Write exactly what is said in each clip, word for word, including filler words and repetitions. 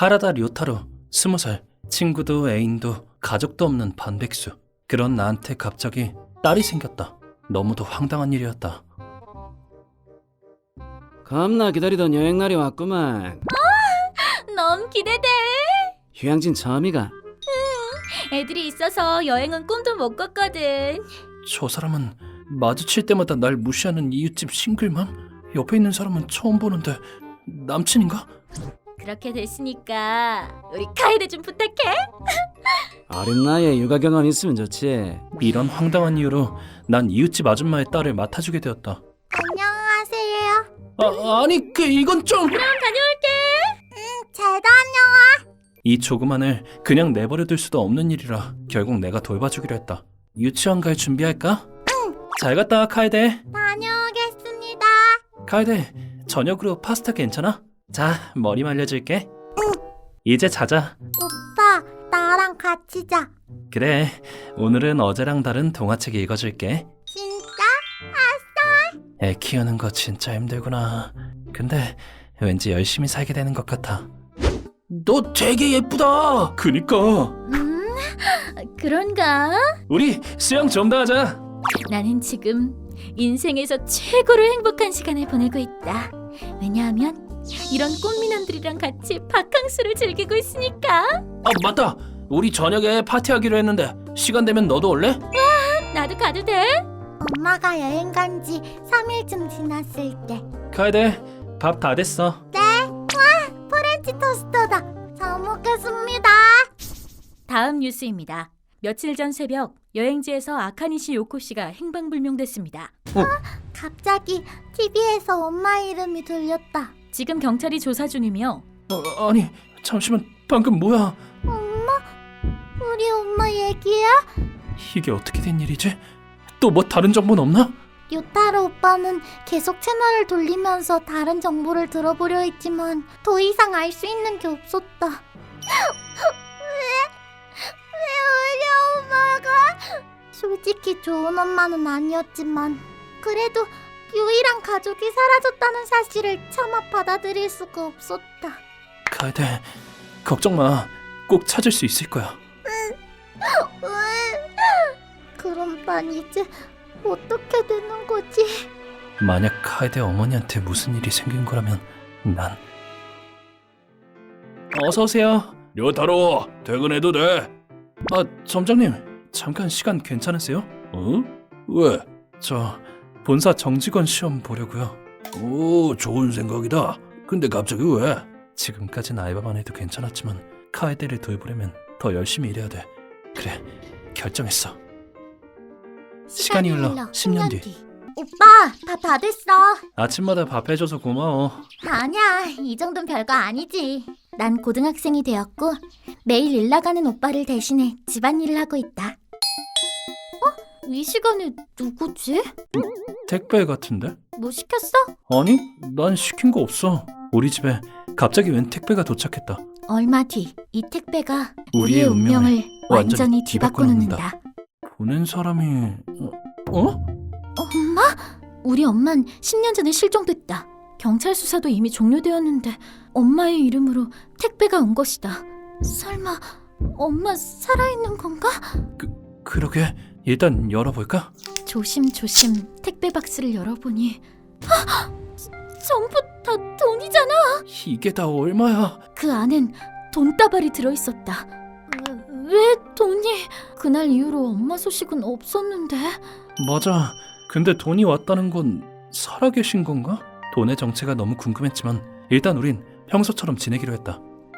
하라다 료타로, 스무 살, 친구도 애인도 가족도 없는 반백수. 그런 나한테 갑자기 딸이 생겼다. 너무도 황당한 일이었다. 겁나 기다리던 여행날이 왔구만. 너무 기대돼. 휴양진 처음이가. 애들이 있어서 여행은 꿈도 못 꿨거든. 저 사람은 마주칠 때마다 날 무시하는 이웃집 싱글맘? 옆에 있는 사람은 처음 보는데 남친인가? 그렇게 됐으니까 우리 카에데 좀 부탁해. 어린 나이에 육아 경험 있으면 좋지. 이런 황당한 이유로 난 이웃집 아줌마의 딸을 맡아주게 되었다. 안녕하세요. 아, 아니 그 이건 좀... 그럼 다녀올게. 잘 다녀와. 이 조그만 을 그냥 내버려둘 수도 없는 일이라 결국 내가 돌봐주기로 했다. 유치원 갈 준비할까? 응. 잘 갔다 와, 카에데. 다녀오겠습니다. 카에데, 저녁으로 파스타 괜찮아? 자, 머리 말려줄게. 응. 이제 자자. 오빠, 나랑 같이 자. 그래, 오늘은 어제랑 다른 동화책 읽어줄게. 진짜? 애 키우는 거 진짜 힘들구나. 근데 왠지 열심히 살게 되는 것 같아. 너 되게 예쁘다. 그니까. 음, 그런가? 우리 수영 좀 더 하자. 나는 지금 인생에서 최고로 행복한 시간을 보내고 있다. 왜냐하면 이런 꽃미남들이랑 같이 바캉스를 즐기고 있으니까. 아, 맞다. 우리 저녁에 파티하기로 했는데 시간 되면 너도 올래? 나도 가도 돼? 엄마가 여행 간 지 삼 일쯤 지났을 때. 카에데, 밥 다 됐어. 네? 와, 프렌치 토스트다. 잘 먹겠습니다. 다음 뉴스입니다. 며칠 전 새벽 여행지에서 아카니시 요코 씨가 행방불명됐습니다. 갑자기 티비에서 엄마 이름이 들렸다. 지금 경찰이 조사 중이며 어, 아니, 잠시만. 방금 뭐야? 엄마? 우리 엄마 얘기야? 이게 어떻게 된 일이지? 또 뭐 다른 정보는 없나? 요타로 오빠는 계속 채널을 돌리면서 다른 정보를 들어보려 했지만 더 이상 알 수 있는 게 없었다. 왜? 왜 우리 엄마가? 솔직히 좋은 엄마는 아니었지만 그래도 유일한 가족이 사라졌다는 사실을 차마 받아들일 수가 없었다. 카에데, 걱정 마. 꼭 찾을 수 있을 거야. 왜? 그럼 난 이제 어떻게 되는 거지? 만약 카에데 어머니한테 무슨 일이 생긴 거라면 난... 어서 오세요. 료타로, 퇴근해도 돼. 아, 점장님. 잠깐 시간 괜찮으세요? 어? 왜? 저 본사 정직원 시험 보려고요. 오, 좋은 생각이다. 근데 갑자기 왜? 지금까진 알바만 해도 괜찮았지만 카에데를 돌보려면 더 열심히 일해야 돼. 그래, 결정했어. 시간이 흘러 십 년 뒤. 오빠, 밥 다 됐어. 아침마다 밥 해줘서 고마워. 아니야, 이 정도는 별거 아니지. 난 고등학생이 되었고 매일 일 나가는 오빠를 대신해 집안일을 하고 있다. 어? 이 시간에 누구지? 택배 같은데? 뭐 시켰어? 아니, 난 시킨 거 없어. 우리 집에 갑자기 웬 택배가 도착했다. 얼마 뒤 이 택배가 우리의 우리의 운명을 운명을 완전히 완전히 뒤바꿔 뒤바꿔 놓는다. 보낸 사람이... 어? 어? 엄마? 우리 엄만 십 년 전에 실종됐다. 경찰 수사도 이미 종료되었는데 엄마의 이름으로 택배가 온 것이다. 설마 엄마 살아있는 건가? 그러게. 일단 열어볼까? 조심조심 택배 박스를 열어보니 헉! 전부 다 돈이잖아. 이게 다 얼마야? 그 안엔 돈다발이 들어있었다. 왜 돈이? 그날 이후로 엄마 소식은 없었는데. 맞아. 근데 돈이 왔다는 건 살아계신 건가? 돈의 정체가 너무 궁금했지만 일단 우린 평소처럼 지내기로 했다.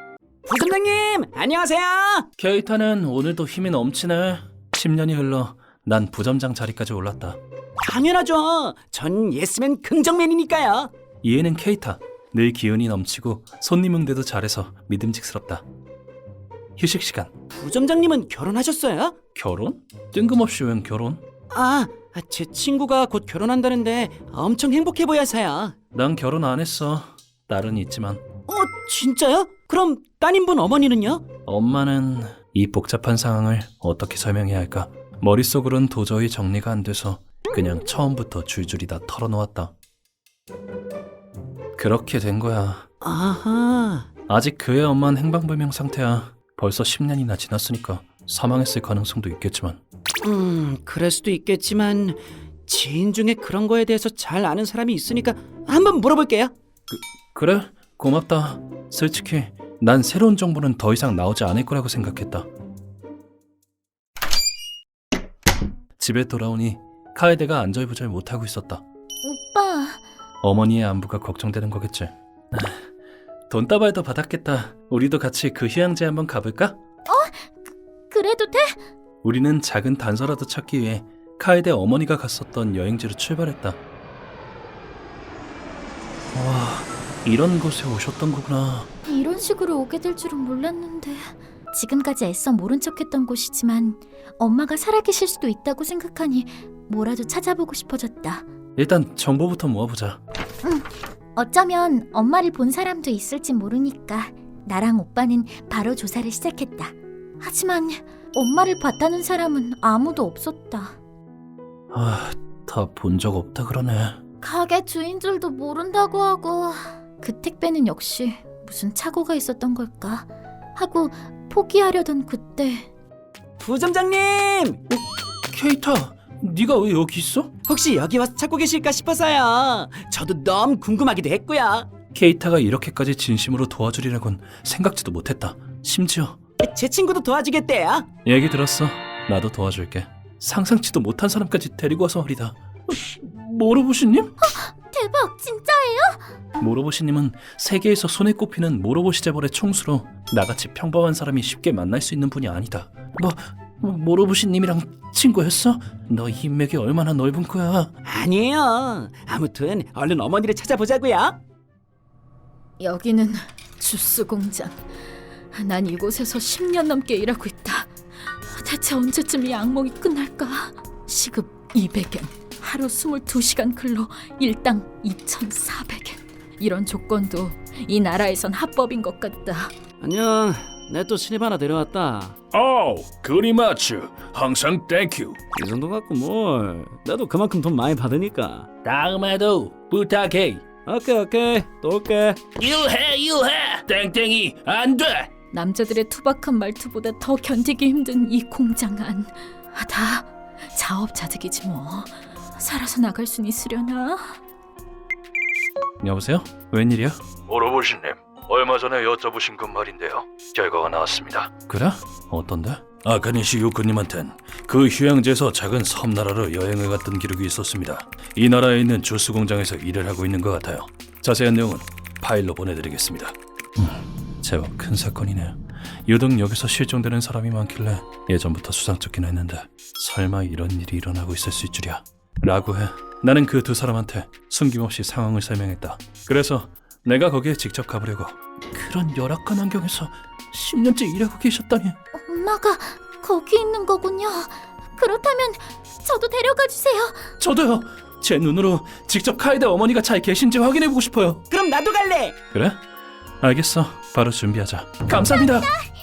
부점장님, 안녕하세요. 케이타는 오늘도 힘이 넘치네. 십 년이 흘러 난 부점장 자리까지 올랐다. 당연하죠. 전 예스맨 긍정맨이니까요. 이해는 케이타. 늘 기운이 넘치고 손님 응대도 잘해서 믿음직스럽다. 휴식 시간. 부점장님은 결혼하셨어요? 결혼? 뜬금없이 웬 결혼? 아, 제 친구가 곧 결혼한다는데 엄청 행복해 보여서요. 난 결혼 안 했어. 딸은 있지만. 어, 진짜요? 그럼 따님분 어머니는요? 엄마는 이 복잡한 상황을 어떻게 설명해야 할까? 머릿속으론 도저히 정리가 안 돼서 그냥 처음부터 줄줄이 다 털어놓았다. 그렇게 된 거야. 아하, 아직 그의 엄마는 행방불명 상태야. 벌써 십 년이나 지났으니까 사망했을 가능성도 있겠지만. 음, 그럴 수도 있겠지만 지인 중에 그런 거에 대해서 잘 아는 사람이 있으니까 한번 물어볼게요. 그래? 고맙다. 솔직히 난 새로운 정보는 더 이상 나오지 않을 거라고 생각했다. 집에 돌아오니 카에데가 안절부절 못하고 있었다. 오빠, 어머니의 안부가 걱정되는 거겠지. 아, 돈다발도 받았겠다. 우리도 같이 그 휴양지 한번 가볼까? 그래도 돼? 우리는 작은 단서라도 찾기 위해 카에데 어머니가 갔었던 여행지로 출발했다. 와, 이런 곳에 오셨던 거구나. 이런 식으로 오게 될 줄은 몰랐는데. 지금까지 애써 모른 척했던 곳이지만 엄마가 살아계실 수도 있다고 생각하니 뭐라도 찾아보고 싶어졌다. 일단 정보부터 모아보자. 어쩌면 엄마를 본 사람도 있을지 모르니까 나랑 오빠는 바로 조사를 시작했다. 하지만 엄마를 봤다는 사람은 아무도 없었다. 아, 다 본 적 없다 그러네. 가게 주인들도 모른다고 하고 그 택배는 역시 무슨 착오가 있었던 걸까 하고 포기하려던 그때 부점장님! 케이타, 네가 왜 여기 있어? 혹시 여기 와서 찾고 계실까 싶어서요. 저도 너무 궁금하기도 했고요. 케이타가 이렇게까지 진심으로 도와주리라곤 생각지도 못했다. 심지어 제 친구도 도와주겠대요. 얘기 들었어. 나도 도와줄게. 상상치도 못한 사람까지 데리고 와서 말이다. 모로보시님? 대박, 진짜예요? 모로보시님은 세계에서 손에 꼽히는 모로보시 재벌의 총수로 나같이 평범한 사람이 쉽게 만날 수 있는 분이 아니다. 뭐 모로보시님이랑 친구였어? 너 인맥이 얼마나 넓은 거야? 아니에요. 아무튼 얼른 어머니를 찾아보자고요. 여기는 주스 공장. 난 이곳에서 십 년 넘게 일하고 있다. 대체 언제쯤 이 악몽이 끝날까? 시급 이백 엔, 하루 이십이 시간 근로, 일당 이천사백 엔. 이런 조건도 이 나라에선 합법인 것 같다. 안녕. 내 또 신입 하나 데려왔다. 오, 그리마츠. 항상 땡큐. 이 정도 갖고 뭘. 나도 그만큼 돈 많이 받으니까. 다음에도 부탁해. 오케이 오케이. 또 올게. 일해 일해. 땡땡이 안 돼. 남자들의 투박한 말투보다 더 견디기 힘든 이 공장 안. 아, 다 자업자득이지 뭐. 살아서 나갈 순 있으려나? 여보세요? 웬일이야? 모로보시님, 얼마 전에 여쭤보신 것 말인데요. 결과가 나왔습니다. 그래? 어떤데? 아카니시 요크님한텐 그 휴양지에서 작은 섬나라로 여행을 갔던 기록이 있었습니다. 이 나라에 있는 주스 공장에서 일을 하고 있는 것 같아요. 자세한 내용은 파일로 보내드리겠습니다. 음, 제법 큰 사건이네. 유독 여기서 실종되는 사람이 많길래 예전부터 수상쩍긴 했는데 설마 이런 일이 일어나고 있을 수 있줄이야 라고 해. 나는 그 두 사람한테 숨김없이 상황을 설명했다. 그래서 내가 거기에 직접 가보려고. 그런 열악한 환경에서 십 년째 일하고 계셨다니. 엄마가 거기 있는 거군요. 그렇다면 저도 데려가 주세요. 저도요. 제 눈으로 직접 카에데 어머니가 잘 계신지 확인해보고 싶어요. 그럼 나도 갈래. 그래? 알겠어. 바로 준비하자. 감사합니다.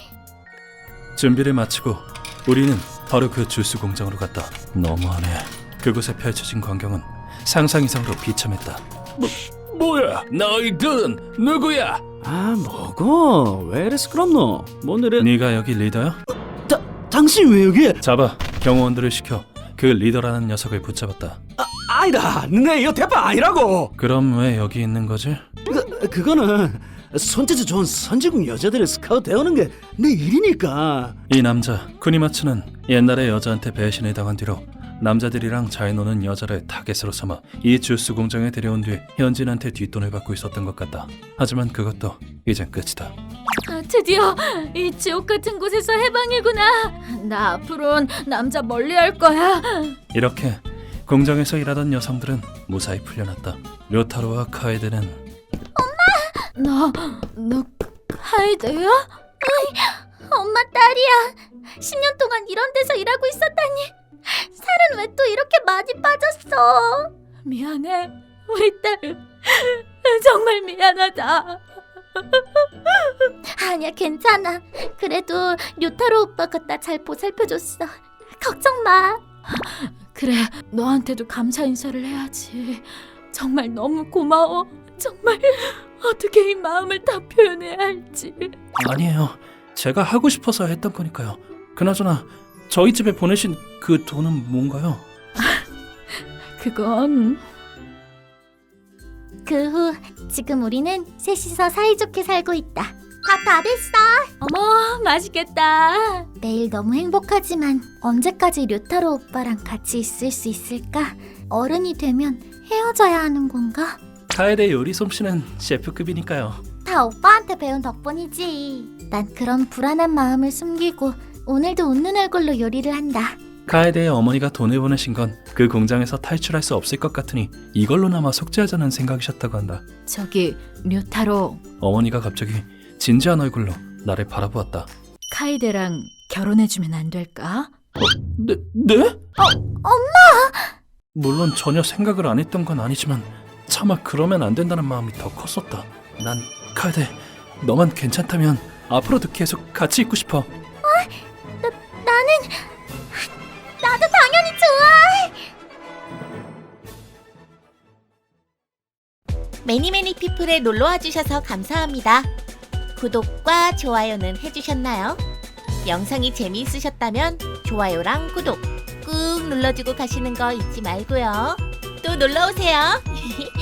준비를 마치고 우리는 바로 그 주스 공장으로 갔다. 너무하네. 그곳에 펼쳐진 광경은 상상 이상으로 비참했다. 뭐, 뭐야? 너희들은 누구야? 아 뭐고? 왜 이래 시끄럽노? 뭔 일이? 네가 여기 리더야? 다, 당신 왜 여기? 잡아. 경호원들을 시켜 그 리더라는 녀석을 붙잡았다. 아, 아니다. 내 이거 대파 아니라고. 그럼 왜 여기 있는 거지? 그, 그거는 손재주 좋은 선진국 여자들을 스카우트 해오는 게 내 일이니까. 이 남자 쿠니마츠는 옛날에 여자한테 배신을 당한 뒤로 남자들이랑 잘 노는 여자를 타겟으로 삼아 이 주스 공장에 데려온 뒤 현진한테 뒷돈을 받고 있었던 것 같다. 하지만 그것도 이젠 끝이다. 아, 드디어 이 지옥 같은 곳에서 해방이구나. 나 앞으로는 남자 멀리할 거야. 이렇게 공장에서 일하던 여성들은 무사히 풀려났다. 료타로와 카에데는 너, 너 카이드야? 엄마 딸이야. 십 년 동안 이런 데서 일하고 있었다니. 살은 왜 또 이렇게 많이 빠졌어? 미안해, 우리 딸. 정말 미안하다. 아니야, 괜찮아. 그래도 류타로 오빠가 나 잘 보살펴줬어. 걱정 마. 그래, 너한테도 감사 인사를 해야지. 정말 너무 고마워. 정말 어떻게 이 마음을 다 표현해야 할지. 아니에요. 제가 하고 싶어서 했던 거니까요. 그나저나 저희 집에 보내신 그 돈은 뭔가요? 그건 그 후 지금 우리는 셋이서 사이좋게 살고 있다. 밥 다 됐어. 어머 맛있겠다. 매일 너무 행복하지만 언제까지 료타로 오빠랑 같이 있을 수 있을까? 어른이 되면 헤어져야 하는 건가? 카에데 요리 솜씨는 셰프급이니까요. 다 오빠한테 배운 덕분이지. 난 그런 불안한 마음을 숨기고 오늘도 웃는 얼굴로 요리를 한다. 카에데의 어머니가 돈을 보내신 건 그 공장에서 탈출할 수 없을 것 같으니 이걸로나마 속죄하자는 생각이셨다고 한다. 저기 류타로 어머니가 갑자기 진지한 얼굴로 나를 바라보았다. 카이데랑 결혼해주면 안 될까? 네? 네? 어, 엄마! 물론 전혀 생각을 안 했던 건 아니지만 차마 그러면 안 된다는 마음이 더 컸었다. 난 카에데, 너만 괜찮다면 앞으로도 계속 같이 있고 싶어. 나, 나는 나도 당연히 좋아. 매니매니 피플에 놀러와 주셔서 감사합니다. 구독과 좋아요는 해주셨나요? 영상이 재미있으셨다면 좋아요랑 구독 꾹 눌러주고 가시는 거 잊지 말고요. 또 놀러오세요.